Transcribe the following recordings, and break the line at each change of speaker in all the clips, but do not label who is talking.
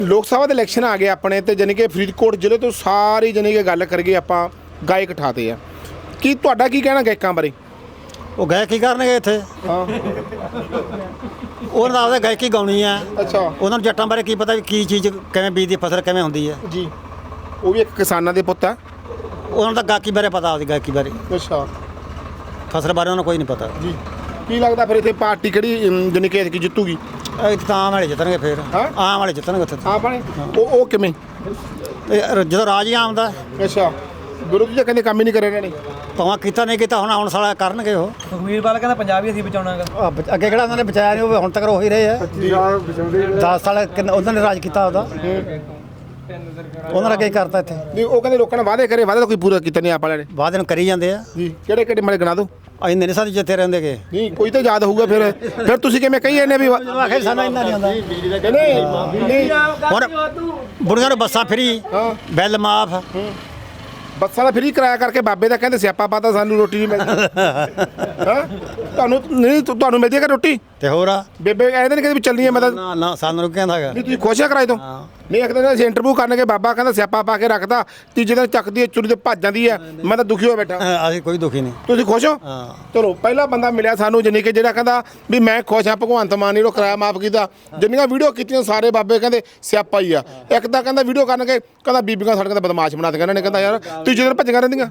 ਲੋਕ ਸਭਾ ਦੇ ਇਲੈਕਸ਼ਨ ਆ ਗਏ ਆਪਣੇ ਤੇ, ਜਾਨੀ ਕਿ ਫਰੀਦਕੋਟ ਜ਼ਿਲ੍ਹੇ ਤੋਂ ਸਾਰੀ ਜਾਨੀ ਕਿ ਗੱਲ ਕਰੀਏ ਆਪਾਂ ਗਾਇਕ ਠਾਤੇ ਆ। ਕੀ ਤੁਹਾਡਾ ਕੀ ਕਹਿਣਾ ਗਾਇਕਾਂ ਬਾਰੇ?
ਉਹ ਗਾਇਕ ਕੀ ਕਰਨਗੇ ਇੱਥੇ?
ਹਾਂ
ਉਹਨਾਂ ਦਾ ਆਪਦਾ ਗਾਇਕੀ ਗਾਉਣੀ ਆ।
ਅੱਛਾ
ਉਹਨਾਂ ਨੂੰ ਜੱਟਾਂ ਬਾਰੇ ਕੀ ਪਤਾ ਵੀ ਕੀ ਚੀਜ਼ ਕਿਵੇਂ ਬੀਜਦੀ, ਫਸਲ ਕਿਵੇਂ ਹੁੰਦੀ ਹੈ
ਜੀ। ਉਹ ਵੀ ਇੱਕ ਕਿਸਾਨਾਂ ਦੇ ਪੁੱਤ ਆ।
ਉਹਨਾਂ ਦਾ ਗਾਇਕੀ ਬਾਰੇ ਪਤਾ, ਆਪਦੀ ਗਾਇਕੀ ਬਾਰੇ।
ਅੱਛਾ
ਫਸਲ ਬਾਰੇ ਉਹਨਾਂ ਕੋਈ ਨਹੀਂ ਪਤਾ
ਜੀ। ਕੀ ਲੱਗਦਾ ਫਿਰ ਇੱਥੇ ਪਾਰਟੀ ਕਿਹੜੀ ਜਾਨੀ ਕਿ ਐਤਕੀ ਜਿੱਤੂਗੀ?
ਇੱਕ ਤਾਂ ਆਮ ਵਾਲੇ ਜਿੱਤਣਗੇ, ਫਿਰ
ਹਾਂ?
ਆਮ ਵਾਲੇ ਜਿੱਤਣਗੇ ਉੱਥੇ।
ਆਪਣੇ ਉਹ ਕਿਵੇਂ?
ਜਦੋਂ ਰਾਜ ਹੀ ਆਮ ਦਾ।
ਅੱਛਾ ਵਿਰੋਧੀ ਤਾਂ ਕਹਿੰਦੇ ਕੰਮ ਹੀ ਨਹੀਂ ਕਰੇ ਇਹਨਾਂ ਨੇ।
ਭਾਵੇਂ ਕੀਤਾ ਨਹੀਂ ਕੀਤਾ, ਹੁਣ ਆਉਣ ਸਾਲਾ ਕਰਨਗੇ ਉਹ।
ਸੁਖਬੀਰ ਬਾਦਲ ਕਹਿੰਦਾ ਪੰਜਾਬ ਹੀ ਅਸੀਂ ਬਚਾਉਣਾਗਾ।
ਅੱਗੇ ਕਿਹੜਾ ਉਹਨਾਂ ਨੇ ਬਚਾਇਆ ਨਹੀਂ, ਉਹ ਹੁਣ ਤੱਕ ਉਹੀ ਰਹੇ ਆ। 10 ਸਾਲ ਉਹਨਾਂ ਨੇ ਰਾਜ ਕੀਤਾ ਉਹਦਾ। ਉਹਨਾਂ ਨੇ ਕੀ ਕਰਤਾ ਇੱਥੇ?
ਨਹੀਂ ਉਹ ਕਹਿੰਦੇ ਲੋਕਾਂ ਨੇ ਵਾਅਦੇ ਕਰੇ, ਵਾਅਦਾ ਤਾਂ ਕੋਈ ਪੂਰਾ ਕੀਤਾ ਨਹੀਂ ਆਪ ਵਾਲਿਆਂ ਨੇ।
ਵਾਅਦੇ ਨੂੰ ਕਰੀ ਜਾਂਦੇ ਆ
ਜੀ ਕਿਹੜੇ ਕਿਹੜੇ ਮਾੜੇ ਗਿਣਾ ਦਿਓ।
ਅਸੀਂ ਨਹੀਂ ਸਾਡੀ ਜਿੱਤੇ ਰਹਿੰਦੇਗੇ।
ਨਹੀਂ ਕੋਈ ਤਾਂ ਯਾਦ ਹੋਊਗਾ ਫਿਰ ਤੁਸੀਂ ਕਿਵੇਂ ਕਹੀ ਜਾਂਦੇ ਵੀ
ਆਖੇ ਸਾਨੂੰ ਇੰਨਾ ਨਹੀਂ ਆਉਂਦਾ।
ਨਹੀਂ
ਹੁਣ ਬੁੜੀਆਂ ਨੂੰ ਬੱਸਾਂ ਫਰੀ,
ਹਾਂ
ਬਿੱਲ ਮਾਫ।
ਬੱਸਾਂ ਦਾ ਫਰੀ ਕਿਰਾਇਆ ਕਰਕੇ ਬਾਬੇ ਦਾ ਕਹਿੰਦੇ ਸਿਆਪਾ ਪਾਤਾ, ਸਾਨੂੰ ਰੋਟੀ ਨਹੀਂ ਮਿਲਦੀ। ਹਾਂ ਤੁਹਾਨੂੰ ਮਿਲਦੀ ਹੈ ਕਿ ਰੋਟੀ?
ਤੇ ਹੋਰ ਆ
ਬੇਬੇ ਕਹਿੰਦੇ ਨੇ ਕਿ ਵੀ ਚੱਲਣੀ ਹੈ ਮਤਲਬ।
ਨਾ ਨਾ ਸਾਨੂੰ ਨੂੰ ਕਹਿੰਦਾ ਹੈਗਾ।
ਨਹੀਂ ਤੁਸੀਂ ਖੁਸ਼ ਆ ਕਿਰਾਏ ਤੋਂ? ਨਹੀਂ ਇੱਕ ਦਿਨ ਅਸੀਂ ਇੰਟਰਵਿਊ ਕਰਨਗੇ, ਬਾਬਾ ਕਹਿੰਦਾ ਸਿਆਪਾ ਪਾ ਕੇ ਰੱਖਦਾ, ਤੀਜੇ ਦਿਨ ਚੱਕਦੀ ਹੈ ਚੁਰੀ ਤੇ ਭੱਜ ਜਾਂਦੀ ਹੈ। ਮੈਂ ਤਾਂ ਦੁਖੀ ਹੋ ਬੈਠਾ।
ਅਸੀਂ ਕੋਈ ਦੁਖੀ ਨਹੀਂ।
ਤੁਸੀਂ ਖੁਸ਼ ਹੋ?
ਹਾਂ
ਚਲੋ ਪਹਿਲਾ ਬੰਦਾ ਮਿਲਿਆ ਸਾਨੂੰ ਜਾਨੀ ਕਿ ਜਿਹੜਾ ਕਹਿੰਦਾ ਵੀ ਮੈਂ ਖੁਸ਼ ਹਾਂ, ਭਗਵੰਤ ਮਾਨ ਨੇ ਜਿਹੜਾ ਕਿਰਾਇਆ ਮਾਫ ਕੀਤਾ। ਜਿੰਨੀਆਂ ਵੀਡੀਓ ਕੀਤੀਆਂ ਸਾਰੇ ਬਾਬੇ ਕਹਿੰਦੇ ਸਿਆਪਾ ਹੀ ਆ। ਇੱਕ ਤਾਂ ਕਹਿੰਦਾ ਵੀਡੀਓ ਕਰਨਗੇ ਕਹਿੰਦਾ ਬੀਬੀਆਂ ਸਾਡੇ ਕਹਿੰਦਾ ਬਦਮਾਸ਼ ਬਣਾ ਦਿੱਤੀਆਂ ਇਹਨਾਂ ਨੇ, ਕਹਿੰਦਾ ਯਾਰ ਤੀਜੇ ਦਿਨ ਭੱਜੀਆਂ ਰਹਿੰਦੀਆਂ।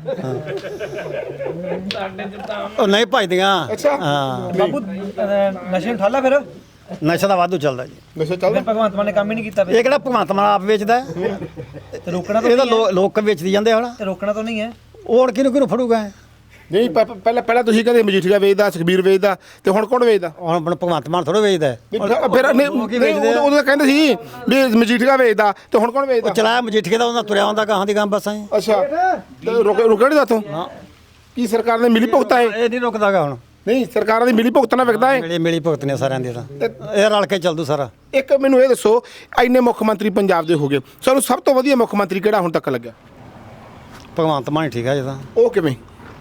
ਉਹ ਨਹੀਂ ਭਜਦੀਆਂ।
ਅੱਛਾ
ਹਾਂ
ਬਾਬੂ ਨਸ਼ੇ ਨੂੰ ਠਾਲਾ ਫਿਰ
ਨਸ਼ਾ ਦਾ ਵਾਧੂ ਚੱਲਦਾ ਜੀ।
ਨਸ਼ਾ ਚੱਲਦਾ।
ਭਗਵੰਤ ਮਾਨ ਨੇ ਕੰਮ ਹੀ ਨਹੀਂ ਕੀਤਾ
ਇਹ ਕਿਹੜਾ ਭਗਵੰਤ ਮਾਨ ਆਪ ਵੇਚਦਾ ਹੈ?
ਤੇ ਰੋਕਣਾ ਤਾਂ
ਇਹ ਤਾਂ ਲੋਕ ਵੇਚਦੀ ਜਾਂਦੇ ਹੁਣ।
ਤੇ ਰੋਕਣਾ ਤਾਂ ਨਹੀਂ ਹੈ।
ਉਹ ਹੁਣ ਕਿਹਨੂੰ ਫੜੂਗਾ?
ਨਹੀਂ ਪਹਿਲਾਂ ਤੁਸੀਂ ਕਹਿੰਦੇ ਮਜੀਠੀਆ ਵੇਚਦਾ, ਸੁਖਬੀਰ ਵੇਚਦਾ, ਤੇ ਹੁਣ ਕੌਣ ਵੇਚਦਾ?
ਹੁਣ ਆਪਣਾ ਭਗਵੰਤ ਮਾਨ ਥੋੜਾ ਵੇਚਦਾ।
ਫਿਰ ਉਦੋਂ ਕਹਿੰਦੇ ਸੀ ਵੀ ਮਜੀਠੀਆ ਵੇਚਦਾ, ਤੇ ਹੁਣ ਕੌਣ ਵੇਚਦਾ?
ਚਲਾਇਆ ਮਜੀਠੀਏ ਦਾ, ਉਹਨਾਂ ਤੁਰਿਆ ਹੁੰਦਾ ਗਾਹਾਂ ਦੀ ਗਾਂ ਬੱਸਾਂ।
ਅੱਛਾ ਰੁਕਿਆ ਨਹੀਂ ਦੱਸੋ? ਕੀ ਸਰਕਾਰ ਨੇ ਮਿਲੀ ਭੁਗਤਾ ਹੈ?
ਇਹ ਨਹੀਂ ਰੁਕਦਾਗਾ ਹੁਣ।
ਨਹੀਂ ਸਰਕਾਰਾਂ ਦੀ ਮਿਲੀ ਭੁਗਤ ਨਾਲ ਵਿਕਦਾ ਹੈ।
ਮਿਲੀ ਭੁਗਤ ਨੇ ਸਾਰਿਆਂ ਦੀ ਤਾਂ ਇਹ ਰਲ ਕੇ ਚੱਲਦੂ ਸਾਰਾ।
ਇੱਕ ਮੈਨੂੰ ਇਹ ਦੱਸੋ, ਇੰਨੇ ਮੁੱਖ ਮੰਤਰੀ ਪੰਜਾਬ ਦੇ ਹੋ ਗਏ, ਸਾਨੂੰ ਸਭ ਤੋਂ ਵਧੀਆ ਮੁੱਖ ਮੰਤਰੀ ਕਿਹੜਾ ਹੁਣ ਤੱਕ ਲੱਗਿਆ?
ਭਗਵੰਤ ਮਾਨ ਠੀਕ ਆ ਜੀ ਤਾਂ।
ਉਹ ਕਿਵੇਂ?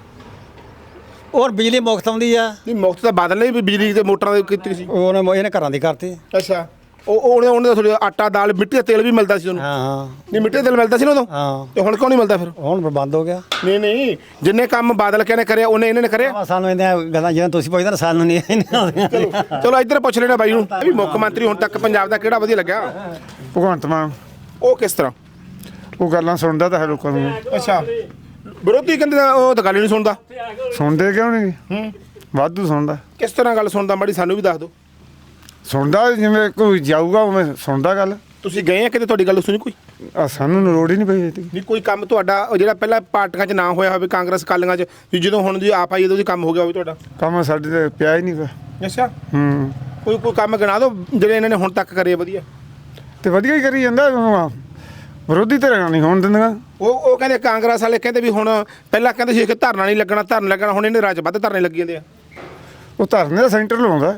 ਔਰ ਬਿਜਲੀ ਮੁਫਤ ਆਉਂਦੀ ਆ।
ਨਹੀਂ ਮੁਫਤ ਤਾਂ ਬਾਦਲ ਨੇ ਵੀ ਬਿਜਲੀ ਤੇ ਮੋਟਰਾਂ ਦੀ ਕੀਤੀ ਸੀ।
ਇਹਨੇ ਘਰਾਂ ਦੀ ਕਰਤੀ।
ਅੱਛਾ ਉਹਨੇ ਥੋੜੀ ਆਟਾ ਦਾਲ ਮਿੱਟੀ ਦਾ ਤੇਲ ਵੀ ਮਿਲਦਾ ਸੀ ਉਹਨੂੰ।
ਹਾਂ ਹਾਂ
ਨਹੀਂ ਮਿੱਟੀ ਦਾ ਤੇਲ ਮਿਲਦਾ ਸੀ ਨਾ ਉਦੋਂ।
ਹਾਂ
ਤੇ ਹੁਣ ਕਿਉਂ ਨਹੀਂ ਮਿਲਦਾ ਫਿਰ?
ਹੁਣ ਬੰਦ ਹੋ ਗਿਆ।
ਨਹੀਂ ਜਿੰਨੇ ਕੰਮ ਬਾਦਲ ਕਹਿੰਦੇ ਕਰਿਆ ਉਹਨੇ ਇਹਨਾਂ ਨੇ ਕਰਿਆ।
ਸਾਨੂੰ ਇਹਦੀਆਂ ਗੱਲਾਂ ਜਿਵੇਂ ਤੁਸੀਂ ਪੁੱਛਦੇ ਨਾ, ਸਾਨੂੰ ਨਹੀਂ ਆਉਂਦੀਆਂ।
ਚਲੋ ਇੱਧਰ ਪੁੱਛ ਲੈਣਾ ਬਾਈ ਨੂੰ ਵੀ ਮੁੱਖ ਮੰਤਰੀ ਹੁਣ ਤੱਕ ਪੰਜਾਬ ਦਾ ਕਿਹੜਾ ਵਧੀਆ ਲੱਗਿਆ?
ਭਗਵੰਤ ਮਾਨ।
ਉਹ ਕਿਸ ਤਰ੍ਹਾਂ?
ਉਹ ਗੱਲਾਂ ਸੁਣਦਾ ਤਾਂ ਹੈ ਲੋਕਾਂ ਨੂੰ।
ਅੱਛਾ ਵਿਰੋਧੀ ਕਹਿੰਦੇ ਉਹ ਤਾਂ ਗੱਲ ਹੀ ਨਹੀਂ ਸੁਣਦਾ।
ਸੁਣਦੇ ਕਿਉਂ ਨਹੀਂ? ਵਾਧੂ ਸੁਣਦਾ।
ਕਿਸ ਤਰ੍ਹਾਂ ਗੱਲ ਸੁਣਦਾ ਮਾੜੀ ਸਾਨੂੰ ਵੀ ਦੱਸ ਦਿਓ।
ਸੁਣਦਾ ਜਿਵੇਂ ਕੋਈ ਜਾਊਗਾ ਉਵੇਂ ਸੁਣਦਾ ਗੱਲ।
ਤੁਸੀਂ ਗਏ ਆ ਕਿਤੇ ਤੁਹਾਡੀ ਗੱਲ ਸੁਣੀ ਕੋਈ?
ਸਾਨੂੰ ਲੋੜ ਹੀ ਨਹੀਂ ਪਈ ਇਹਦੀ।
ਨਹੀਂ ਕੋਈ ਕੰਮ ਤੁਹਾਡਾ ਜਿਹੜਾ ਪਹਿਲਾਂ ਪਾਰਟੀਆਂ 'ਚ ਨਾ ਹੋਇਆ ਹੋਵੇ, ਕਾਂਗਰਸ ਕਾਲੀਆਂ 'ਚ, ਵੀ ਜਦੋਂ ਹੁਣ ਦੀ ਆਪ ਆਈ ਉਦੋਂ ਦੀ ਕੰਮ ਹੋ ਗਿਆ ਹੋਵੇ ਤੁਹਾਡਾ?
ਕੰਮ ਸਾਡੇ ਤੇ ਪਿਆ ਹੀ ਨਹੀਂ ਗਾ।
ਅੱਛਾ
ਹੂੰ
ਕੋਈ ਕੰਮ ਗਿਣਾ ਦਿਓ ਜਿਹੜੇ ਇਹਨਾਂ ਨੇ ਹੁਣ ਤੱਕ ਕਰੇ ਵਧੀਆ।
ਤੇ ਵਧੀਆ ਹੀ ਕਰੀ ਜਾਂਦਾ। ਵਿਰੋਧੀ ਧਿਰਾਂ ਨਹੀਂ ਹੋਣ ਦਿੰਦੀਆਂ।
ਉਹ ਕਹਿੰਦੇ ਕਾਂਗਰਸ ਵਾਲੇ ਕਹਿੰਦੇ ਵੀ ਹੁਣ ਪਹਿਲਾਂ ਕਹਿੰਦੇ ਸੀ ਕਿ ਧਰਨਾ ਨਹੀਂ ਲੱਗਣਾ, ਹੁਣ ਇਹਨੇ ਰਾਜ ਵੱਧ ਧਰਨੇ ਲੱਗੀ ਜਾਂਦੇ ਆ।
ਉਹ ਧਰਨੇ ਦਾ ਸੈਂਟਰ ਲਾਉਂਦਾ।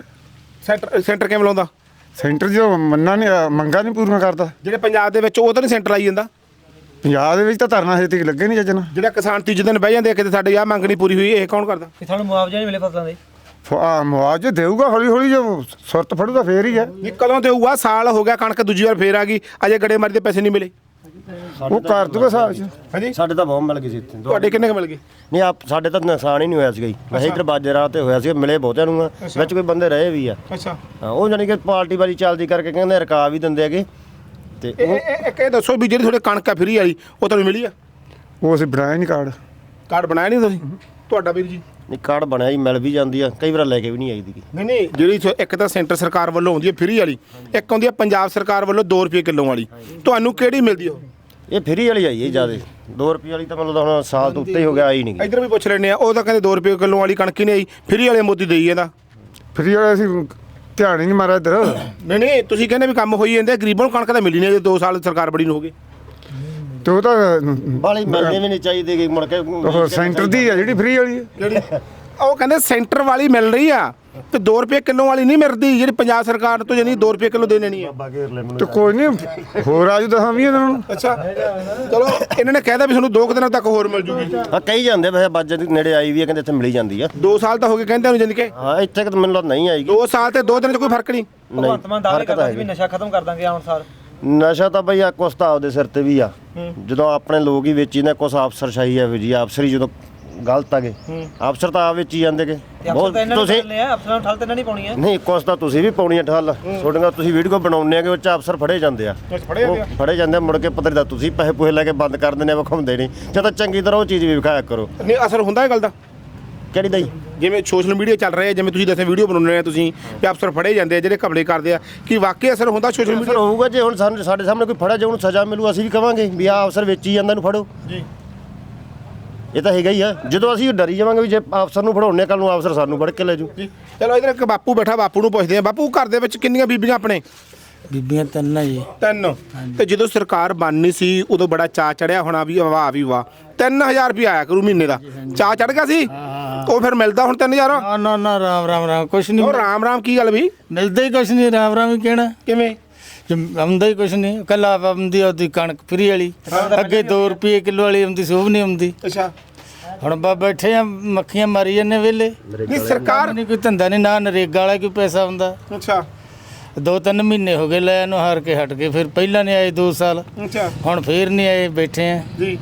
ਸੈਂਟਰ ਕਿਵੇਂ ਲਾਉਂਦਾ?
ਸੈਂਟਰ ਜੋ ਮੰਗਾਂ ਨਹੀਂ ਪੂਰੀਆਂ ਕਰਦਾ।
ਜਿਹੜੇ ਪੰਜਾਬ ਦੇ ਵਿੱਚ ਉਹ ਤਾਂ ਨਹੀਂ ਸੈਂਟਰ ਆਈ ਜਾਂਦਾ।
ਪੰਜਾਬ ਦੇ ਵਿੱਚ ਤਾਂ ਧਰਨਾ ਹਜੇ ਤੱਕ ਲੱਗੇ ਨਹੀਂ ਚੱਜਣਾ।
ਜਿਹੜਾ ਕਿਸਾਨ ਤੀਜੇ ਦਿਨ ਬਹਿ ਜਾਂਦੇ ਆ ਕਿਤੇ ਸਾਡੀ ਆਹ ਮੰਗ ਨਹੀਂ ਪੂਰੀ ਹੋਈ, ਇਹ ਕੌਣ ਕਰਦਾ?
ਕਿ ਸਾਨੂੰ ਮੁਆਵਜ਼ਾ ਨਹੀਂ ਮਿਲੇ ਫਸਲਾਂ ਦੇ।
ਮੁਆਵਜ਼ੇ ਦੇਊਗਾ ਹੌਲੀ ਹੌਲੀ, ਜੋ ਸੁਰਤ ਫੜੂਗਾ ਫੇਰ ਹੀ ਹੈ।
ਨਹੀਂ ਕਦੋਂ ਦੇਊਗਾ? ਸਾਲ ਹੋ ਗਿਆ ਕਣਕ ਦੂਜੀ ਵਾਰ ਫੇਰ ਆ ਗਈ, ਅਜੇ ਗੜੇਮਾਰੀ ਦੇ ਪੈਸੇ ਨਹੀਂ ਮਿਲੇ।
ਉਹ ਕਰ ਦੂਗਾ ਹਿਸਾਬ 'ਚ।
ਹਾਂਜੀ
ਸਾਡੇ ਤਾਂ ਬਹੁਤ ਮਿਲ ਗਏ ਸੀ ਇੱਥੇ।
ਤੁਹਾਡੇ ਕਿੰਨੇ ਕੁ ਮਿਲ ਗਏ?
ਨਹੀਂ ਆਪ ਸਾਡੇ ਤਾਂ ਨੁਕਸਾਨ ਹੀ ਨਹੀਂ ਹੋਇਆ ਸੀਗਾ ਜੀ। ਵੈਸੇ ਇੱਧਰ ਬਾਜਰਾ ਤੇ ਹੋਇਆ ਸੀ, ਮਿਲੇ ਬਹੁਤਿਆਂ ਨੂੰ ਆ, ਵਿੱਚ ਕੋਈ ਬੰਦੇ ਰਹੇ ਵੀ ਆ।
ਅੱਛਾ
ਹਾਂ ਉਹ ਜਾਨੀ ਕਿ ਪਾਰਟੀ ਵਾਲੀ ਚੱਲਦੀ ਕਰਕੇ ਕਹਿੰਦੇ ਰਕਾ ਵੀ ਦਿੰਦੇ ਹੈਗੇ। ਤੇ
ਇਹ ਦੱਸੋ ਵੀ ਜਿਹੜੀ ਤੁਹਾਡੇ ਕਣਕ ਆ ਫਰੀ ਵਾਲੀ ਉਹ ਤੁਹਾਨੂੰ ਮਿਲੀ ਆ?
ਉਹ ਅਸੀਂ ਬਣਾਇਆ ਨਹੀਂ ਕਾਰਡ
ਬਣਾਇਆ ਨਹੀਂ ਤੁਸੀਂ? ਤੁਹਾਡਾ ਵੀਰ ਜੀ?
ਨਹੀਂ ਕਾਰਡ ਬਣਿਆ ਜੀ, ਮਿਲ ਵੀ ਜਾਂਦੀ ਆ, ਕਈ ਵਾਰ ਲੈ ਕੇ ਵੀ ਨਹੀਂ ਆਈ ਦੀ।
ਨਹੀਂ ਜਿਹੜੀ ਇੱਕ ਤਾਂ ਸੈਂਟਰ ਸਰਕਾਰ ਵੱਲੋਂ ਆਉਂਦੀ ਹੈ ਫਰੀ ਵਾਲੀ, ਇੱਕ ਆਉਂਦੀ ਹੈ ਪੰਜਾਬ ਸਰਕਾਰ ਵੱਲੋਂ 2 ਰੁਪਏ ਕਿਲੋ ਵਾਲੀ, ਤੁਹਾਨੂੰ ਕਿਹੜੀ ਮਿਲਦੀ ਉਹ?
ਇਹ ਫਰੀ ਵਾਲੀ ਆਈ ਹੈ ਜਿਆਦਾ। 2 ਰੁਪਏ ਵਾਲੀ ਤਾਂ ਮਤਲਬ ਹੁਣ ਸਾਲ ਤੋਂ ਉੱਤੇ ਹੀ ਹੋ ਗਿਆ, ਆਈ ਨਹੀਂ ਗਈ।
ਇੱਧਰ ਵੀ ਪੁੱਛ ਲੈਣੇ ਆ, ਉਹ ਤਾਂ ਕਹਿੰਦੇ 2 ਰੁਪਏ ਕਿਲੋ ਵਾਲੀ ਕਣਕ ਹੀ ਨਹੀਂ ਆਈ, ਫਰੀ ਵਾਲੇ ਮੋਦੀ ਦੇਈ ਜਾਂਦਾ।
ਫਰੀ ਵਾਲੇ ਅਸੀਂ ਧਿਆਨ ਹੀ ਨਹੀਂ ਮਾਰਿਆ ਇੱਧਰ।
ਨਹੀਂ ਤੁਸੀਂ ਕਹਿੰਦੇ ਵੀ ਕੰਮ ਹੋਈ ਜਾਂਦੇ, ਗਰੀਬਾਂ ਨੂੰ ਕਣਕ ਤਾਂ ਮਿਲੀ ਨਹੀਂ, 2 ਸਾਲ ਸਰਕਾਰ ਬੜੀ ਨੂੰ ਹੋ ਗਏ।
ਤੇ ਉਹ ਤਾਂ
ਬਾਲੀ ਮਿਲਣੀ ਵੀ ਨਹੀਂ ਚਾਹੀਦੀ ਗੀ ਮੁੜ ਕੇ।
ਉਹ ਸੈਂਟਰ ਦੀ ਆ ਜਿਹੜੀ ਫਰੀ ਵਾਲੀ ਹੈ।
ਉਹ ਕਹਿੰਦੇ ਸੈਂਟਰ ਵਾਲੀ ਮਿਲ ਰਹੀ ਆ ਤੇ 2 ਰੁਪਏ ਕਿਲੋ ਵਾਲੀ ਨਹੀਂ ਮਿਲਦੀ, ਜਿਹੜੀ ਪੰਜਾਬ ਸਰਕਾਰ ਤੋਂ ਜਾਨੀ 2 ਰੁਪਏ ਕਿਲੋ ਦੇਣੇ ਨਹੀਂ ਆ।
ਤੇ ਕੋਈ ਨਹੀਂ ਹੋਰ ਆਜੂ 10-20 ਦਿਨਾਂ ਨੂੰ।
ਅੱਛਾ ਚਲੋ ਇਹਨਾਂ ਨੇ ਕਹਿਦਾ ਵੀ ਤੁਹਾਨੂੰ 2 ਦਿਨਾਂ ਤੱਕ ਹੋਰ ਮਿਲ ਜੂਗੀ।
ਹਾਂ ਕਈ ਜਾਂਦੇ ਵੈਸੇ ਬਾਜੇ ਦੇ ਨੇੜੇ ਆਈ ਵੀ ਆ, ਕਹਿੰਦੇ ਇੱਥੇ ਮਿਲੀ ਜਾਂਦੀ ਆ।
2 ਸਾਲ ਤਾਂ ਹੋ ਗਏ ਕਹਿੰਦੇ ਉਹਨੂੰ ਜਾਨੀ ਕਿ।
ਹਾਂ ਇੱਥੇ ਕਿ ਮੈਨੂੰ ਲੱਗਦਾ ਨਹੀਂ ਆਏਗੀ।
2 ਸਾਲ ਤੇ 2 ਦਿਨ 'ਚ ਕੋਈ ਫਰਕ ਨਹੀਂ।
ਭਗਵੰਤ ਮਾਨ ਦਾਅਵੇ ਕਰਦਾ ਸੀ ਵੀ ਨਸ਼ਾ ਖਤਮ ਕਰ ਦਾਂਗੇ ਆਉਣ ਸਾਰ।
ਨਸ਼ਾ ਤਾਂ ਬਈ ਆ ਕੁਛ ਤਾਂ ਆਪਦੇ ਸਿਰ ਤੇ ਵੀ ਆ ਜਦੋਂ ਆਪਣੇ ਲੋਕ ਹੀ ਵੇਚੀ ਨੇ ਕੁਛ ਅਫਸਰਸ਼ਾਹੀ ਆ ਵੀ ਜੀ ਅਫਸਰ ਹੀ ਜਦੋਂ ਗਲਤ ਆਗੇ ਅਫਸਰ ਤਾਂ ਆ ਵੇਚੀ ਜਾਂਦੇ ਕਿ
ਅਫਸਰ ਤਾਂ ਇਹਨਾਂ ਨੇ ਠੱਲ ਲਿਆ, ਅਫਸਰਾਂ ਨੂੰ ਠੱਲ ਤਾਂ ਇਹਨਾਂ ਨਹੀਂ ਪਾਉਣੀ ਹੈ।
ਨਹੀਂ ਕੁਛ ਤਾਂ ਤੁਸੀਂ ਵੀ ਪਾਉਣੀ ਆ ਠੱਲ ਤੁਹਾਡੀਆਂ ਤੁਸੀਂ ਵੀਡੀਓ ਬਣਾਉਂਦੇ ਆ ਕਿ ਉਹ 'ਚ ਅਫਸਰ ਫੜੇ ਜਾਂਦੇ ਆ ਉਹ ਫੜੇ ਜਾਂਦੇ ਆ ਮੁੜ ਕੇ ਪਤਾ ਨਹੀਂ ਤੁਸੀਂ ਪੈਸੇ ਪੂਸੇ ਲੈ ਕੇ ਬੰਦ ਕਰ ਦਿੰਦੇ ਆ ਵਿਖਾਉਂਦੇ ਨਹੀਂ ਜਾਂ ਤਾਂ ਚੰਗੀ ਤਰ੍ਹਾਂ ਉਹ ਚੀਜ਼ ਵੀ ਵਿਖਾਇਆ ਕਰੋ।
ਨਹੀਂ ਅਸਰ ਹੁੰਦਾ ਇਹ ਗੱਲ ਦਾ
ਕਿਹੜੀ ਦਾ ਜੀ
ਜਿਵੇਂ ਸੋਸ਼ਲ ਮੀਡੀਆ ਚੱਲ ਰਿਹਾ ਜਿਵੇਂ ਤੁਸੀਂ ਦੱਸਿਆ ਵੀਡੀਓ ਬਣਾਉਂਦੇ ਆ ਤੁਸੀਂ ਕਿ ਅਫਸਰ ਫੜੇ ਜਾਂਦੇ ਆ ਜਿਹੜੇ ਘਪਲੇ ਕਰਦੇ ਆ ਕਿ ਵਾਕਈ ਅਸਰ ਹੁੰਦਾ ਸੋਸ਼ਲ
ਅਸਰ
ਮੀਡੀਆ
ਹੋਊਗਾ ਜੇ ਹੁਣ ਸਾਡੇ ਸਾਹਮਣੇ ਕੋਈ ਫੜਿਆ ਜੇ ਉਹਨੂੰ ਸਜ਼ਾ ਮਿਲੂ ਅਸੀਂ ਵੀ ਕਵਾਂਗੇ ਵੀ ਆਹ ਅਫਸਰ ਵੇਚੀ ਜਾਂਦਾ ਇਹਨੂੰ ਫੜੋ
ਜੀ
ਇਹ ਤਾਂ ਹੈਗਾ ਹੀ ਆ ਜਦੋਂ ਅਸੀਂ ਡਰੀ ਜਾਵਾਂਗੇ ਵੀ ਜੇ ਅਫਸਰ ਨੂੰ ਫੜਾਉਣੇ ਕੱਲ ਨੂੰ ਅਫਸਰ ਸਾਨੂੰ ਫੜ ਕੇ ਲੈ ਜੂ
ਜੀ ਚਲੋ ਇਧਰ ਇੱਕ ਬਾਪੂ ਬੈਠਾ ਬਾਪੂ ਨੂੰ ਪੁੱਛਦੇ ਆ ਬਾਪੂ ਘਰ ਦੇ ਵਿੱਚ ਕਿੰਨੀਆਂ ਬੀਬੀਆਂ ਆਪਣੇ
ਬੀਬੀਆਂ ਤਿੰਨ ਆ ਜੀ।
3 ਤੇ ਜਦੋਂ ਸਰਕਾਰ ਬਣਨੀ ਸੀ ਉਦੋਂ ਬੜਾ ਚਾਅ ਚੜਿਆ ਹੋਣਾ ਵੀ ਵਾਹ ਵੀ ਵਾਹ 3000 ਰੁਪਏ ਆਇਆ ਕਰੂ ਮਹੀਨੇ ਦਾ ਚਾਅ ਚੜ ਗਿਆ ਸੀ ਉਹ ਫਿਰ ਮਿਲਦਾ ਹੁਣ 3000
ਨਾ ਨਾ ਨਾ ਰਾਮ ਰਾਮ ਰਾਮ ਕੁਛ ਨਹੀਂ
ਉਹ ਰਾਮ ਕੀ ਗੱਲ ਵੀ
ਮਿਲਦਾ ਹੀ ਕੁਛ ਨਹੀਂ ਰਾਮ ਰਾਮ ਹੀ ਕਹਿਣਾ
ਕਿਵੇਂ
ਆਉਂਦਾ ਹੀ ਕੁਛ ਨਹੀਂ ਕੱਲਾ ਆਉਂਦੀ ਉਹਦੀ ਕਣਕ ਫਰੀ ਵਾਲੀ ਅੱਗੇ 2 ਰੁਪਏ ਕਿਲੋ ਵਾਲੀ ਆਉਂਦੀ ਸੀ ਉਹ ਵੀ ਨਹੀਂ ਆਉਂਦੀ।
ਅੱਛਾ
ਹੁਣ ਬੈਠੇ ਆ ਮੱਖੀਆਂ ਮਾਰੀ ਜਾਂਦੇ ਵੇਲੇ
ਨਹੀਂ ਸਰਕਾਰ
ਨਹੀਂ ਕੋਈ ਧੰਦਾ ਨਹੀਂ ਨਾ ਨਰੇਗਾ ਵਾਲਾ ਕੋਈ ਪੈਸਾ ਹੁੰਦਾ।
ਅੱਛਾ
2-3 ਮਹੀਨੇ ਹੋ ਗਏ ਲੈ ਇਹਨੂੰ ਹਾਰ ਕੇ ਹਟ ਗਏ ਫਿਰ ਪਹਿਲਾਂ ਨਹੀਂ ਆਏ 2 ਸਾਲ
ਅੱਛਾ
ਹੁਣ ਫੇਰ ਨਹੀਂ ਆਏ ਬੈਠੇ ਆ
ਜੀ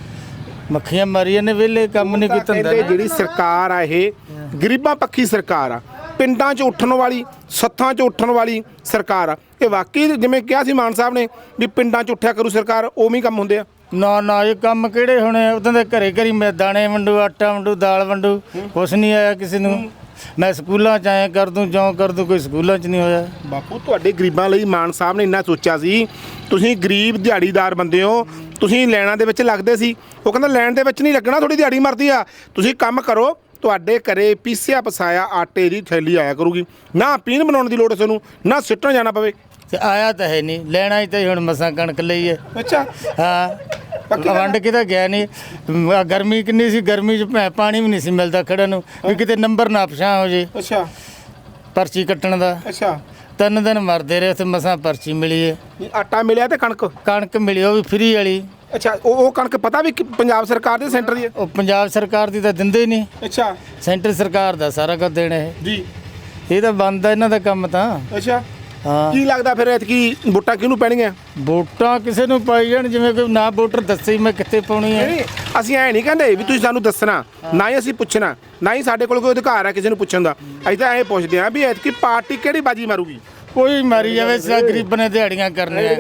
ਮੱਖੀਆਂ ਮਾਰੀ ਜਾਂਦੇ ਵੇਲੇ ਕੰਮ ਨਹੀਂ ਕੋਈ ਧੰਦਾ
ਕਹਿੰਦੇ ਜਿਹੜੀ ਸਰਕਾਰ ਆ ਇਹ ਗਰੀਬਾਂ ਪੱਖੀ ਸਰਕਾਰ ਆ ਪਿੰਡਾਂ 'ਚ ਉੱਠਣ ਵਾਲੀ ਸੱਥਾਂ 'ਚ ਉੱਠਣ ਵਾਲੀ ਸਰਕਾਰ ਆ ਇਹ ਵਾਕਈ ਜਿਵੇਂ ਕਿਹਾ ਸੀ ਮਾਨ ਸਾਹਿਬ ਨੇ ਵੀ ਪਿੰਡਾਂ 'ਚ ਉੱਠਿਆ ਕਰੂ ਸਰਕਾਰ ਉਵੇਂ ਹੀ ਕੰਮ ਹੁੰਦੇ ਆ।
ਨਾ ਨਾ ਇਹ ਕੰਮ ਕਿਹੜੇ ਹੋਣੇ ਉਦੋਂ ਦੇ ਘਰੇ ਘਰੀ ਮੈਂ ਦਾਣੇ ਵੰਡੂ ਆਟਾ ਵੰਡੂ ਦਾਲ ਵੰਡੂ ਕੁਛ ਨਹੀਂ ਆਇਆ ਕਿਸੇ ਨੂੰ। ਮੈਂ ਸਕੂਲਾਂ 'ਚ ਆਇਆ ਕਰ ਦੂੰ ਜਿਉਂ ਕਰ ਦੂੰ ਕੋਈ ਸਕੂਲਾਂ 'ਚ ਨਹੀਂ ਹੋਇਆ।
ਬਾਪੂ ਤੁਹਾਡੇ ਗਰੀਬਾਂ ਲਈ ਮਾਨ ਸਾਹਿਬ ਨੇ ਇੰਨਾ ਸੋਚਿਆ ਸੀ ਤੁਸੀਂ ਗਰੀਬ ਦਿਹਾੜੀਦਾਰ ਬੰਦੇ ਹੋ ਤੁਸੀਂ ਲੈਣਾ ਦੇ ਵਿੱਚ ਲੱਗਦੇ ਸੀ ਉਹ ਕਹਿੰਦਾ ਲੈਣ ਦੇ ਵਿੱਚ ਨਹੀਂ ਲੱਗਣਾ ਥੋੜੀ ਦਿਹਾੜੀ ਮਰਦੀ ਆ ਤੁਸੀਂ ਕੰਮ ਕਰੋ ਤੁਹਾਡੇ ਘਰੇ ਪੀਸਿਆ ਪਸਾਇਆ ਆਟੇ ਦੀ ਥੈਲੀ ਆਇਆ ਕਰੂਗੀ ਨਾ ਪੀਣ ਬਣਾਉਣ ਦੀ ਲੋੜ ਤੁਹਾਨੂੰ ਨਾ ਸਿੱਟਣ ਜਾਣਾ ਪਵੇ।
ਤੇ ਆਇਆ ਤਾਂ ਹੈ ਨਹੀਂ ਲੈਣਾ ਹੀ ਤਾਂ ਹੁਣ ਮਸਾਂ ਕਣਕ ਲਈ ਹੈ।
ਅੱਛਾ
ਹਾਂ ਵੰਡ ਕੇ ਤਾਂ ਗਿਆ ਨਹੀਂ ਗਰਮੀ ਕਿੰਨੀ ਸੀ ਗਰਮੀ 'ਚ ਪਾਣੀ ਵੀ ਨਹੀਂ ਸੀ ਮਿਲਦਾ ਖੜਨ ਨੂੰ ਵੀ ਕਿਤੇ ਨੰਬਰ ਨਾ ਪਛਾਂ ਹੋ ਜੇ
ਅੱਛਾ
ਪਰਚੀ ਕੱਟਣ ਦਾ।
ਅੱਛਾ
3 ਦਿਨ ਮਰਦੇ ਰਹੇ ਉੱਥੇ ਮਸਾਂ ਪਰਚੀ ਮਿਲੀ ਹੈ।
ਆਟਾ ਮਿਲਿਆ ਤੇ
ਕਣਕ ਮਿਲੀ ਉਹ ਵੀ ਫਰੀ ਵਾਲੀ।
ਅੱਛਾ ਉਹ ਕਣਕ ਪਤਾ ਵੀ ਪੰਜਾਬ ਸਰਕਾਰ ਦੇ ਸੈਂਟਰ ਦੀ ਹੈ।
ਉਹ ਪੰਜਾਬ ਸਰਕਾਰ ਦੀ ਤਾਂ ਦਿੰਦੇ ਹੀ ਨਹੀਂ
ਅੱਛਾ
ਸੈਂਟਰ ਸਰਕਾਰ ਦਾ ਸਾਰਾ ਕੁਝ ਦੇਣਾ ਇਹ
ਜੀ
ਇਹ ਤਾਂ ਬੰਦ ਆ ਇਹਨਾਂ ਦਾ ਕੰਮ ਤਾਂ।
ਅੱਛਾ
ਹਾਂ
ਕੀ ਲੱਗਦਾ ਫਿਰ ਐਤਕੀ ਵੋਟਾਂ ਕਿਹਨੂੰ ਪੈਣਗੀਆਂ?
ਵੋਟਾਂ ਕਿਸੇ ਨੂੰ ਪਾਈ ਜਾਣ ਜਿਵੇਂ ਕੋਈ ਨਾ ਵੋਟਰ ਦੱਸੇ ਮੈਂ ਕਿੱਥੇ ਪਾਉਣੀ ਹੈ।
ਨਹੀਂ ਅਸੀਂ ਐ ਨਹੀਂ ਕਹਿੰਦੇ ਵੀ ਤੁਸੀਂ ਸਾਨੂੰ ਦੱਸਣਾ ਨਾ ਹੀ ਅਸੀਂ ਪੁੱਛਣਾ ਨਾ ਹੀ ਸਾਡੇ ਕੋਲ ਕੋਈ ਅਧਿਕਾਰ ਹੈ ਕਿਸੇ ਨੂੰ ਪੁੱਛਣ ਦਾ ਅਸੀਂ ਤਾਂ ਐਂ ਪੁੱਛਦੇ ਹਾਂ ਵੀ ਐਤਕੀ ਪਾਰਟੀ ਕਿਹੜੀ ਬਾਜੀ ਮਾਰੂਗੀ।
ਕੋਈ ਮਾਰੀ ਜਾਵੇ ਸਾ ਗਰੀਬਾਂ ਨੇ ਦਿਹਾੜੀਆਂ ਕਰਨੀਆਂ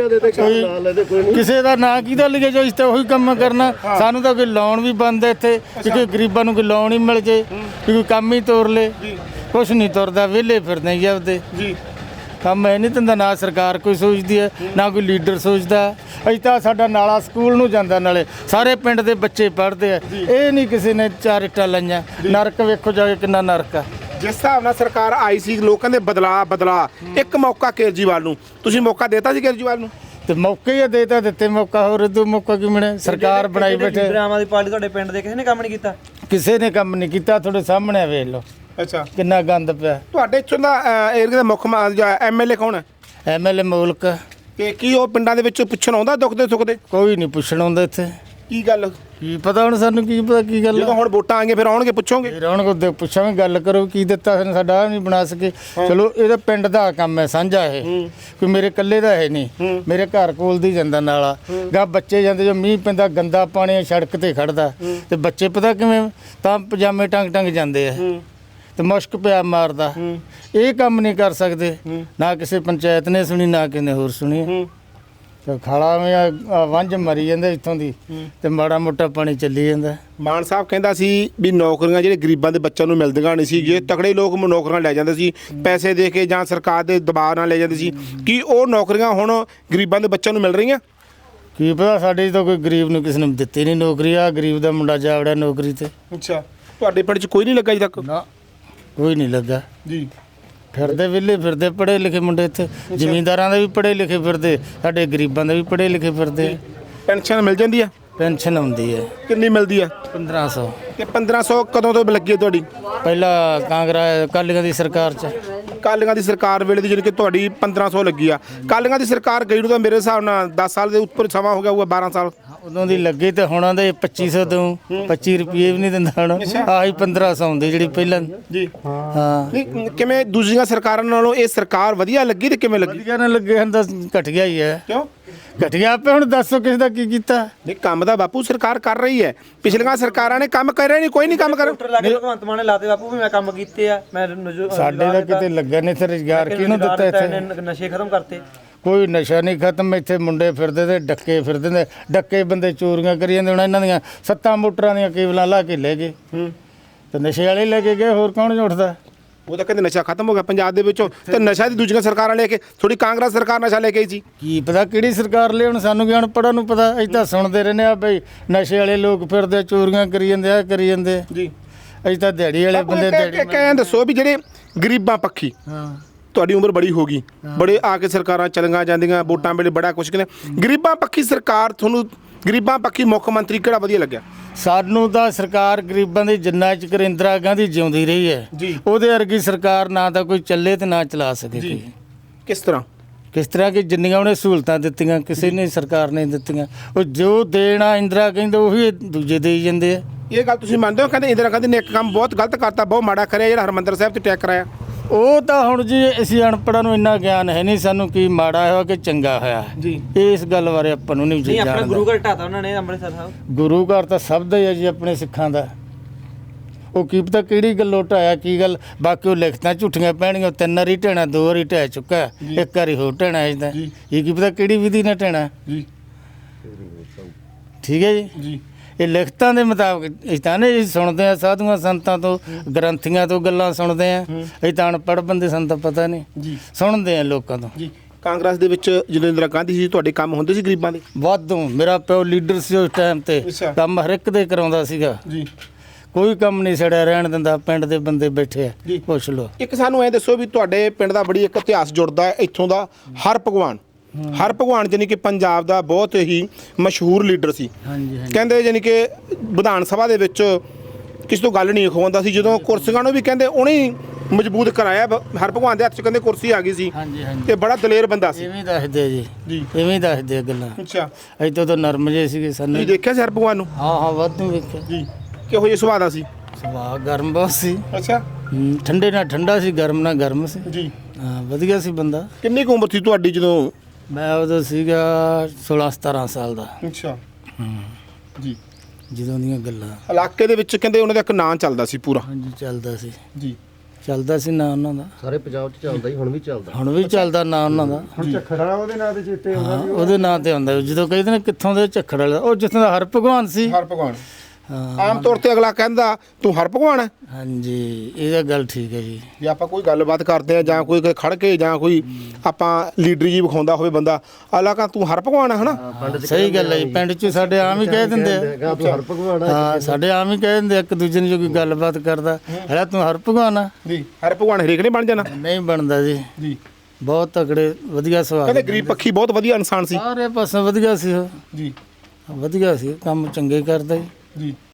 ਕੋਈ ਕਿਸੇ ਦਾ ਨਾਂ ਕਿਹਦਾ ਲਿਖੇ ਜੋ ਇਸ ਤੇ ਉਹੀ ਕੰਮ ਕਰਨਾ ਸਾਨੂੰ ਤਾਂ ਕੋਈ ਲੋਨ ਵੀ ਬੰਦ ਹੈ ਇੱਥੇ ਕਿ ਕੋਈ ਗਰੀਬਾਂ ਨੂੰ ਕੋਈ ਲੋਨ ਹੀ ਮਿਲ ਜੇ ਕੋਈ ਕੰਮ ਹੀ ਤੋਰ ਲੇ ਕੁਛ ਨਹੀਂ ਤੁਰਦਾ ਵਿਹਲੇ ਫਿਰਦੇ ਜੀ ਆਪਦੇ
ਜੀ
ਕੰਮ ਇਹ ਨਹੀਂ ਧੰਦਾ ਨਾ ਸਰਕਾਰ ਕੋਈ ਸੋਚਦੀ ਹੈ ਨਾ ਕੋਈ ਲੀਡਰ ਸੋਚਦਾ। ਅਸੀਂ ਤਾਂ ਸਾਡਾ ਨਾਲਾ ਸਕੂਲ ਨੂੰ ਜਾਂਦਾ ਨਾਲੇ ਸਾਰੇ ਪਿੰਡ ਦੇ ਬੱਚੇ ਪੜ੍ਹਦੇ ਆ ਇਹ ਨਹੀਂ ਕਿਸੇ ਨੇ 4 ਇੱਟਾਂ ਲਾਈਆਂ ਨਰਕ ਵੇਖੋ ਜਾ ਕੇ ਕਿੰਨਾ ਨਰਕ ਆ।
ਜਿਸ ਹਿਸਾਬ ਨਾਲ ਸਰਕਾਰ ਆਈ ਸੀ ਲੋਕਾਂ ਦੇ ਬਦਲਾ ਇੱਕ ਮੌਕਾ ਕੇਜਰੀਵਾਲ ਨੂੰ ਤੁਸੀਂ ਮੌਕਾ ਦੇਤਾ ਸੀ ਕੇਜਰੀਵਾਲ ਨੂੰ
ਤੇ ਮੌਕੇ ਹੀ ਦੇਤਾ ਦਿੱਤੇ ਮੌਕਾ ਹੋਰ ਇਦੋਂ ਮੌਕਾ ਕੀ ਮਿਲਿਆ ਸਰਕਾਰ ਬਣਾਈ ਬੈਠੇ।
ਆਮ ਆਦਮੀ ਪਾਰਟੀ ਤੁਹਾਡੇ ਪਿੰਡ ਦੇ ਕਿਸੇ ਨੇ ਕੰਮ ਨਹੀਂ ਕੀਤਾ?
ਕਿਸੇ ਨੇ ਕੰਮ ਨਹੀਂ ਕੀਤਾ ਤੁਹਾਡੇ ਸਾਹਮਣੇ ਵੇਖ ਲਓ
ਅੱਛਾ
ਕਿੰਨਾ ਗੰਦ ਪਿਆ।
ਤੁਹਾਡੇ ਇੱਥੋਂ ਦਾ ਏਰੀਆ ਦਾ ਮੁੱਖ ਐਮਐਲਏ ਕੌਣ ਹੈ?
ਐਮਐਲਏ ਮੁਲਕ
ਕਿ ਕੀ ਉਹ ਪਿੰਡਾਂ ਦੇ ਵਿੱਚ ਪੁੱਛਣ ਆਉਂਦਾ ਦੁੱਖ ਦੇ ਸੁੱਖ ਦੇ?
ਕੋਈ ਨਹੀਂ ਪੁੱਛਣ ਆਉਂਦਾ ਇੱਥੇ।
ਕੀ ਗੱਲ
ਕੀ ਪਤਾ ਹੁਣ ਸਾਨੂੰ ਕੀ ਪਤਾ ਕੀ ਗੱਲ
ਜਦੋਂ ਹੁਣ ਵੋਟਾਂ ਆਣਗੇ ਫਿਰ ਆਉਣਗੇ ਪੁੱਛੋਗੇ
ਫਿਰ ਹੁਣ ਕੋ ਪੁੱਛਾਂਗੇ ਗੱਲ ਕਰੋ ਕੀ ਦਿੱਤਾ ਸਾਨੂੰ ਸਾਡਾ ਨਹੀਂ ਬਣਾ ਸਕੇ। ਚਲੋ ਇਹਦਾ ਪਿੰਡ ਦਾ ਕੰਮ ਹੈ ਸਾਂਝਾ ਇਹ ਕੋਈ ਮੇਰੇ ਇਕੱਲੇ ਦਾ ਹੈ ਨਹੀਂ ਮੇਰੇ ਘਰ ਕੋਲ ਦੀ ਜਾਂਦਾ ਨਾਲਾ ਗਾ ਬੱਚੇ ਜਾਂਦੇ ਜੋ ਮੀਂਹ ਪੈਂਦਾ ਗੰਦਾ ਪਾਣੀ ਸੜਕ ਤੇ ਖੜਦਾ ਤੇ ਬੱਚੇ ਪਤਾ ਕਿਵੇਂ ਤਾਂ ਪਜਾਮੇ ਟੰਗ ਜਾਂਦੇ ਆ ਤੇ ਮੁਸ਼ਕ ਪਿਆ ਮਾਰਦਾ ਇਹ ਕੰਮ ਨਹੀਂ ਕਰ ਸਕਦੇ ਨਾ ਕਿਸੇ ਪੰਚਾਇਤ ਨੇ ਸੁਣੀ ਨਾ ਕਿਸੇ ਨੇ ਹੋਰ ਸੁਣੀ। ਤੇ ਖਾਲਾ ਵਿੱਚ ਵੰਝ ਮਰੀ ਜਾਂਦੇ ਇੱਥੋਂ ਦੀ ਤੇ ਮਾੜਾ ਮੋਟਾ ਪਾਣੀ ਚੱਲੀ ਜਾਂਦਾ।
ਮਾਨ ਸਾਹਿਬ ਕਹਿੰਦਾ ਸੀ ਵੀ ਨੌਕਰੀਆਂ ਜਿਹੜੇ ਗਰੀਬਾਂ ਦੇ ਬੱਚਿਆਂ ਨੂੰ ਮਿਲਦੀਆਂ ਨਹੀਂ ਸੀ ਜੇ ਤਕੜੇ ਲੋਕ ਨੌਕਰੀਆਂ ਲੈ ਜਾਂਦੇ ਸੀ ਪੈਸੇ ਦੇ ਕੇ ਜਾਂ ਸਰਕਾਰ ਦੇ ਦਬਾਅ ਨਾਲ ਲੈ ਜਾਂਦੇ ਸੀ ਕੀ ਉਹ ਨੌਕਰੀਆਂ ਹੁਣ ਗਰੀਬਾਂ ਦੇ ਬੱਚਿਆਂ ਨੂੰ ਮਿਲ ਰਹੀਆਂ?
ਕੀ ਪਤਾ ਸਾਡੇ ਤਾਂ ਕੋਈ ਗਰੀਬ ਨੂੰ ਕਿਸੇ ਨੂੰ ਦਿੱਤੀ ਨਹੀਂ ਨੌਕਰੀ ਆ ਗਰੀਬ ਦਾ ਮੁੰਡਾ ਜਾ ਵੜਿਆ ਨੌਕਰੀ ਤੇ।
ਅੱਛਾ ਤੁਹਾਡੇ ਪਿੰਡ 'ਚ ਕੋਈ ਨਹੀਂ ਲੱਗਾ ਅਜੇ ਤੱਕ?
ਨਾ ਕੋਈ ਨਹੀਂ ਲੱਗਾ
ਜੀ
ਫਿਰਦੇ ਵਿਹਲੇ ਫਿਰਦੇ ਪੜ੍ਹੇ ਲਿਖੇ ਮੁੰਡੇ ਇੱਥੇ ਜ਼ਿਮੀਂਦਾਰਾਂ ਦੇ ਵੀ ਪੜ੍ਹੇ ਲਿਖੇ ਫਿਰਦੇ ਸਾਡੇ ਗਰੀਬਾਂ ਦੇ ਵੀ ਪੜ੍ਹੇ ਲਿਖੇ ਫਿਰਦੇ।
ਪੈਨਸ਼ਨ ਮਿਲ ਜਾਂਦੀ ਆ?
ਪੈਨਸ਼ਨ ਆਉਂਦੀ ਹੈ
ਕਿੰਨੀ ਮਿਲਦੀ ਆ?
1500।
ਤੇ 1500 ਕਦੋਂ ਤੋਂ ਲੱਗੀ ਹੈ ਤੁਹਾਡੀ?
ਪਹਿਲਾਂ ਕਾਂਗਰਸ ਅਕਾਲੀਆਂ ਦੀ ਸਰਕਾਰ 'ਚ
ਕਾਲੀਆਂ ਦੀ ਸਰਕਾਰ ਵੇਲੇ ਦੀ ਜਿਹੜੀ ਕਿ ਤੁਹਾਡੀ 1500 ਲੱਗੀ ਆ ਕਾਲੀਆਂ ਦੀ ਸਰਕਾਰ ਗਈ ਨੂੰ ਤਾਂ ਮੇਰੇ ਹਿਸਾਬ ਨਾਲ 10 ਸਾਲ ਦੇ ਉੱਪਰ ਸਮਾਂ ਹੋ ਗਿਆ ਹੋਊਗਾ 12 ਸਾਲ
ਉਦੋਂ ਦੀ ਲੱਗੀ ਤੇ ਹੁਣਾਂ ਦੇ 2500 ਦਊਂ 25 ਰੁਪਏ ਵੀ ਨਹੀਂ ਦਿੰਦਾ ਹੁਣ ਆਹੀ 1500 ਆਉਂਦੀ ਜਿਹੜੀ ਪਹਿਲਾਂ
ਜੀ
ਹਾਂ
ਨਹੀਂ ਕਿਵੇਂ ਦੂਜੀਆਂ ਸਰਕਾਰਾਂ ਨਾਲੋਂ ਇਹ ਸਰਕਾਰ ਵਧੀਆ ਲੱਗੀ ਤੇ ਕਿਵੇਂ ਲੱਗੀ
ਵਧੀਆ ਨਾ ਲੱਗੇ ਹਨ ਤਾਂ ਘਟਿਆ ਹੀ ਹੈ
ਕਿਉਂ
ਘਟਿਆ ਆਪੇ ਹੁਣ ਦੱਸੋ ਕਿਸ ਦਾ ਕੀ ਕੀਤਾ
ਨਹੀਂ ਕੰਮ ਦਾ ਬਾਪੂ ਸਰਕਾਰ ਕਰ ਰਹੀ ਹੈ ਪਿਛਲੀਆਂ ਸਰਕਾਰਾਂ ਨੇ ਕੰਮ ਕਰਿਆ ਨਹੀਂ ਕੋਈ ਨਹੀਂ ਕੰਮ ਕਰ
ਡਾਕਟਰ ਲਾ ਕੇ ਭਗਵੰਤ ਮਾਨ ਨੇ ਲਾਤੇ ਬਾਪੂ ਵੀ ਮੈਂ ਕੰਮ ਕੀਤੇ ਆ ਮੈਂ
ਸਾਡੇ ਦਾ ਕਿਤੇ ਲੱਗਾ ਨਹੀਂ ਤੇ ਰੁਜ਼ਗਾਰ ਕਿਹਨੂੰ ਦਿੱਤਾ ਇੱਥੇ
ਨਸ਼ੇ ਖਤਮ ਕਰਤੇ
ਕੋਈ ਨਸ਼ਾ ਨਹੀਂ ਖਤਮ ਇੱਥੇ ਮੁੰਡੇ ਫਿਰਦੇ ਤੇ ਡੱਕੇ ਫਿਰਦੇ ਨੇ ਡੱਕੇ ਬੰਦੇ ਚੋਰੀਆਂ ਕਰੀ ਜਾਂਦੇ ਹੁਣ ਇਹਨਾਂ ਦੀਆਂ 7 ਮੋਟਰਾਂ ਦੀਆਂ ਕੇਬਲਾਂ ਲਾ ਕੇ ਲੈ ਗਏ ਤੇ ਨਸ਼ੇ ਵਾਲੇ ਲੈ ਕੇ ਗਏ ਹੋਰ ਕੌਣ ਉੱਠਦਾ
ਉਹ ਤਾਂ ਕਹਿੰਦੇ ਨਸ਼ਾ ਖਤਮ ਹੋ ਗਿਆ ਪੰਜਾਬ ਦੇ ਵਿੱਚੋਂ ਤੇ ਨਸ਼ਾ ਦੀ ਦੂਜੀਆਂ ਸਰਕਾਰਾਂ ਲੈ ਕੇ ਥੋੜੀ ਕਾਂਗਰਸ ਸਰਕਾਰ ਨਸ਼ਾ ਲੈ ਕੇ ਆਈ ਸੀ
ਕੀ ਪਤਾ ਕਿਹੜੀ ਸਰਕਾਰ ਲਈ ਹੁਣ ਸਾਨੂੰ ਕੀ ਅਨਪੜ੍ਹਾਂ ਨੂੰ ਪਤਾ ਅਸੀਂ ਤਾਂ ਸੁਣਦੇ ਰਹਿੰਦੇ ਆ ਬਈ ਨਸ਼ੇ ਵਾਲੇ ਲੋਕ ਫਿਰਦੇ ਚੋਰੀਆਂ ਕਰੀ ਜਾਂਦੇ ਆ ਕਰੀ ਜਾਂਦੇ
ਜੀ
ਅਸੀਂ ਤਾਂ ਦਿਹਾੜੀ ਵਾਲੇ ਬੰਦੇ ਦਿਹਾੜੀ
ਕਹਿ ਦੱਸੋ ਵੀ ਜਿਹੜੇ ਗਰੀਬਾਂ ਪੱਖੀ
ਹਾਂ
ਤੁਹਾਡੀ ਉਮਰ ਬੜੀ ਹੋ ਗਈ ਬੜੇ ਆ ਕੇ ਸਰਕਾਰਾਂ ਚਲੀਆਂ ਜਾਂਦੀਆਂ ਵੋਟਾਂ ਵੇਲੇ ਬੜਾ ਕੁਛ ਕਹਿੰਦੇ ਗਰੀਬਾਂ ਪੱਖੀ ਸਰਕਾਰ ਤੁਹਾਨੂੰ ਗਰੀਬਾਂ ਪੱਖੀ ਮੁੱਖ ਮੰਤਰੀ ਕਿਹੜਾ ਵਧੀਆ ਲੱਗਿਆ
ਸਾਨੂੰ ਤਾਂ ਸਰਕਾਰ ਗਰੀਬਾਂ ਦੀ ਜਿੰਨਾ ਚਿਰ ਇੰਦਰਾ ਗਾਂਧੀ ਜਿਉਂਦੀ ਰਹੀ ਹੈ
ਜੀ।
ਉਹਦੇ ਵਰਗੀ ਸਰਕਾਰ ਨਾ ਤਾਂ ਕੋਈ ਚੱਲੇ ਤੇ ਨਾ ਚਲਾ ਸਕੇ ਕੋਈ
ਕਿਸ ਤਰ੍ਹਾਂ
ਕਿਸ ਤਰ੍ਹਾਂ ਕਿ ਜਿੰਨੀਆਂ ਉਹਨੇ ਸਹੂਲਤਾਂ ਦਿੱਤੀਆਂ ਕਿਸੇ ਨੇ ਸਰਕਾਰ ਨੇ ਦਿੱਤੀਆਂ ਉਹ ਜੋ ਦੇਣਾ ਇੰਦਰਾ ਕਹਿੰਦੇ ਉਹੀ ਦੂਜੇ ਦੇਈ ਜਾਂਦੇ ਆ
ਇਹ ਗੱਲ ਤੁਸੀਂ ਮੰਨਦੇ ਹੋ ਕਹਿੰਦੇ ਇੰਦਰਾ ਗਾਂਧੀ ਨੇ ਇੱਕ ਕੰਮ ਬਹੁਤ ਗਲਤ ਕਰਤਾ ਬਹੁਤ ਮਾੜਾ ਕਰਿਆ ਜਿਹੜਾ ਹਰਮੰਦਰ ਸਾਹਿਬ ਤੇ ਅਟੈਕ ਕਰਾਇਆ
ਉਹ ਤਾਂ ਹੁਣ ਜੀ ਅਸੀਂ ਅਨਪੜ੍ਹਾਂ ਨੂੰ ਇੰਨਾ ਗਿਆਨ ਹੈ ਨਹੀਂ ਸਾਨੂੰ ਕੀ ਮਾੜਾ ਹੋਇਆ ਕਿ ਚੰਗਾ ਹੋਇਆ
ਜੀ
ਇਸ ਗੱਲ ਬਾਰੇ ਆਪਾਂ ਨੂੰ ਨਹੀਂ
ਨਹੀਂ ਆਪਣਾ
ਜਾਣਦਾ
ਗੁਰੂ ਘਰ ਢਾਤਾ ਉਹਨਾਂ ਨੇ ਅੰਮ੍ਰਿਤਸਰ ਸਾਹਿਬ
ਗੁਰੂ ਘਰ ਤਾਂ ਸਭ ਦਾ ਹੀ ਹੈ ਜੀ ਆਪਣੇ ਸਿੱਖਾਂ ਦਾ ਉਹ ਕੀ ਪਤਾ ਕਿਹੜੀ ਗੱਲੋਂ ਢਾਇਆ ਕੀ ਗੱਲ ਬਾਕੀ ਉਹ ਲਿਖਤਾਂ ਝੂਠੀਆਂ ਪੈਣਗੀਆਂ 3 ਵਾਰੀ ਢਹਿਣਾ 2 ਵਾਰੀ ਢਹਿ ਚੁੱਕਾ ਇੱਕ ਵਾਰੀ ਹੋਰ ਢਹਿਣਾ ਇਸਦਾ ਇਹ ਕੀ ਪਤਾ ਕਿਹੜੀ ਵਿਧੀ ਨਾਲ ਢਹਿਣਾ
ਜੀ
ਠੀਕ ਹੈ ਜੀ
ਜੀ
ਇਹ ਲਿਖਤਾਂ ਦੇ ਮੁਤਾਬਕ ਅਸੀਂ ਤਾਂ ਨਹੀਂ ਸੁਣਦੇ ਆ ਸਾਧੂਆਂ ਸੰਤਾਂ ਤੋਂ ਗ੍ਰੰਥੀਆਂ ਤੋਂ ਗੱਲਾਂ ਸੁਣਦੇ ਆ ਅਸੀਂ ਤਾਂ ਅਨਪੜ੍ਹ ਬੰਦੇ ਸਾਨੂੰ ਤਾਂ ਪਤਾ ਨਹੀਂ
ਜੀ
ਸੁਣਦੇ ਆ ਲੋਕਾਂ ਤੋਂ
ਜੀ ਕਾਂਗਰਸ ਦੇ ਵਿੱਚ ਜਦੋਂ ਇੰਦਰਾ ਗਾਂਧੀ ਸੀ ਤੁਹਾਡੇ ਕੰਮ ਹੁੰਦੇ ਸੀ ਗਰੀਬਾਂ ਦੇ
ਵਾਧੂ ਮੇਰਾ ਪਿਓ ਲੀਡਰ ਸੀ ਉਸ ਟਾਈਮ ਤੇ
ਅੱਛਾ।
ਕੰਮ ਹਰ ਇੱਕ ਦੇ ਕਰਾਉਂਦਾ ਸੀਗਾ
ਜੀ
ਕੋਈ ਕੰਮ ਨਹੀਂ ਛੜਿਆ ਰਹਿਣ ਦਿੰਦਾ ਪਿੰਡ ਦੇ ਬੰਦੇ ਬੈਠੇ ਆ
ਜੀ।
ਪੁੱਛ ਲਓ
ਇੱਕ ਸਾਨੂੰ ਐ ਦੱਸੋ ਵੀ ਤੁਹਾਡੇ ਪਿੰਡ ਦਾ ਬੜੀ ਇੱਕ ਇਤਿਹਾਸ ਜੁੜਦਾ ਹੈ ਇੱਥੋਂ ਦਾ ਹਰ ਭਗਵਾਨ ਜਾਨੀ ਕਿ ਪੰਜਾਬ ਦਾ ਬਹੁਤ ਹੀ ਮਸ਼ਹੂਰ ਲੀਡਰ ਸੀ
ਹਾਂਜੀ ਹਾਂਜੀ
ਕਹਿੰਦੇ ਜਾਨੀ ਕਿ ਵਿਧਾਨ ਸਭਾ ਦੇ ਵਿੱਚ ਕਿਸੇ ਤੋਂ ਗੱਲ ਨਹੀਂ ਖਵਾਉਂਦਾ ਸੀ ਜਦੋਂ ਕੁਰਸੀਆਂ ਨੂੰ ਵੀ ਕਹਿੰਦੇ ਉਹਨੇ ਹੀ ਮਜ਼ਬੂਤ ਕਰਾਇਆ ਹਰ ਭਗਵਾਨ ਦੇ ਹੱਥ 'ਚ ਕਹਿੰਦੇ ਕੁਰਸੀ ਆ ਗਈ ਸੀ
ਹਾਂਜੀ ਹਾਂਜੀ
ਤੇ ਬੜਾ ਦਲੇਰ ਬੰਦਾ ਸੀ
ਇਵੇਂ ਦੱਸਦੇ ਆ ਜੀ
ਜੀ
ਇਵੇਂ ਹੀ ਦੱਸਦੇ ਆ ਗੱਲਾਂ
ਅੱਛਾ
ਇੱਥੋਂ ਤਾਂ ਨਰਮ ਜੇ ਸੀਗੇ ਸਾਨੂੰ
ਤੁਸੀਂ ਦੇਖਿਆ ਸੀ ਹਰ ਭਗਵਾਨ ਨੂੰ
ਹਾਂ ਵਾਧੂ ਵੇਖਿਆ
ਜੀ ਕਿਹੋ ਜਿਹਾ ਸੁਭਾਅ ਦਾ ਸੀ
ਸੁਭਾਅ ਗਰਮ ਬਹੁਤ ਸੀ
ਅੱਛਾ
ਠੰਡੇ ਨਾਲ ਠੰਡਾ ਸੀ ਗਰਮ ਨਾਲ ਗਰਮ ਸੀ
ਜੀ
ਹਾਂ ਵਧੀਆ ਸੀ ਬੰਦਾ
ਕਿੰਨੀ ਕੁ ਉਮਰ ਸੀ ਤੁਹਾਡੀ ਜਦੋਂ
ਮੈਂ ਉਦੋਂ ਸੀਗਾ 16-17 ਸਾਲ ਦਾ
ਅੱਛਾ ਜੀ
ਜਦੋਂ ਦੀਆਂ ਗੱਲਾਂ
ਇਲਾਕੇ ਦੇ ਵਿੱਚ ਕਹਿੰਦੇ ਉਹਨਾਂ ਦਾ ਇੱਕ ਨਾਂ ਚੱਲਦਾ ਸੀ ਪੂਰਾ
ਹਾਂਜੀ ਚੱਲਦਾ ਸੀ
ਜੀ
ਚੱਲਦਾ ਸੀ ਨਾਂ ਉਹਨਾਂ ਦਾ
ਸਾਰੇ ਪੰਜਾਬ 'ਚ ਚੱਲਦਾ ਹੀ ਹੁਣ ਵੀ ਚੱਲਦਾ
ਹੁਣ ਵੀ ਚੱਲਦਾ ਨਾਂ ਉਹਨਾਂ ਦਾ
ਹੁਣ ਝੱਖੜਾ ਉਹਦੇ ਨਾਂ ਤੇ ਚੇਤੇ ਆਉਂਦਾ
ਹਾਂ ਉਹਦੇ ਨਾਂ ਤੇ ਆਉਂਦਾ ਜਦੋਂ ਕਹਿੰਦੇ ਨੇ ਕਿੱਥੋਂ ਦੇ ਝੱਖੜ ਵਾਲਾ ਉਹ ਜਿੱਥੋਂ ਦਾ ਹਰ ਭਗਵਾਨ ਸੀ
ਹਰ ਭਗਵਾਨ
ਹਾਂ
ਆਮ ਤੌਰ ਤੇ ਅਗਲਾ ਕਹਿੰਦਾ ਤੂੰ ਹਰ ਭਗਵਾਨ ਹੈ
ਹਾਂਜੀ ਇਹਦਾ ਗੱਲ ਠੀਕ ਹੈ ਜੀ
ਜੇ ਆਪਾਂ ਕੋਈ ਗੱਲਬਾਤ ਕਰਦੇ ਆ ਜਾਂ ਕੋਈ ਖੜ ਕੇ ਜਾਂ ਕੋਈ ਆਪਾਂ ਲੀਡਰੀ ਜੀ ਵਿਖਾਉਂਦਾ ਹੋਵੇ ਬੰਦਾ ਅਗਲਾ ਕਹਿੰਦਾ ਤੂੰ ਹਰ ਭਗਵਾਨ ਹੈ ਹਨਾ
ਸਹੀ ਗੱਲ ਹੈ ਜੀ ਪਿੰਡ 'ਚ ਸਾਡੇ ਆਮ ਹੀ ਕਹਿ ਦਿੰਦੇ ਆ
ਤੂੰ ਹਰ ਭਗਵਾਨ
ਹਾਂ ਸਾਡੇ ਆਮ ਹੀ ਕਹਿ ਦਿੰਦੇ ਆ, ਇੱਕ ਦੂਜੇ ਨੂੰ ਜੋ ਕੋਈ ਗੱਲਬਾਤ ਕਰਦਾ ਹੈ ਤੂੰ ਹਰ ਭਗਵਾਨ ਆ
ਜੀ ਹਰ ਭਗਵਾਨ ਹਰੇਕ ਨੇ ਬਣ ਜਾਣਾ
ਨਹੀਂ ਬਣਦਾ ਜੀ
ਜੀ
ਬਹੁਤ ਤਕੜੇ ਵਧੀਆ ਸਵਾਲ
ਕਹਿੰਦੇ ਗਰੀਬ ਪੱਖੀ ਬਹੁਤ ਵਧੀਆ ਇਨਸਾਨ ਸੀ
ਸਾਰੇ ਪਾਸੇ ਵਧੀਆ ਸੀ ਉਹ
ਜੀ
ਵਧੀਆ ਸੀ ਕੰਮ ਚੰਗੇ ਕਰਦਾ ਜੀ
ਜੀ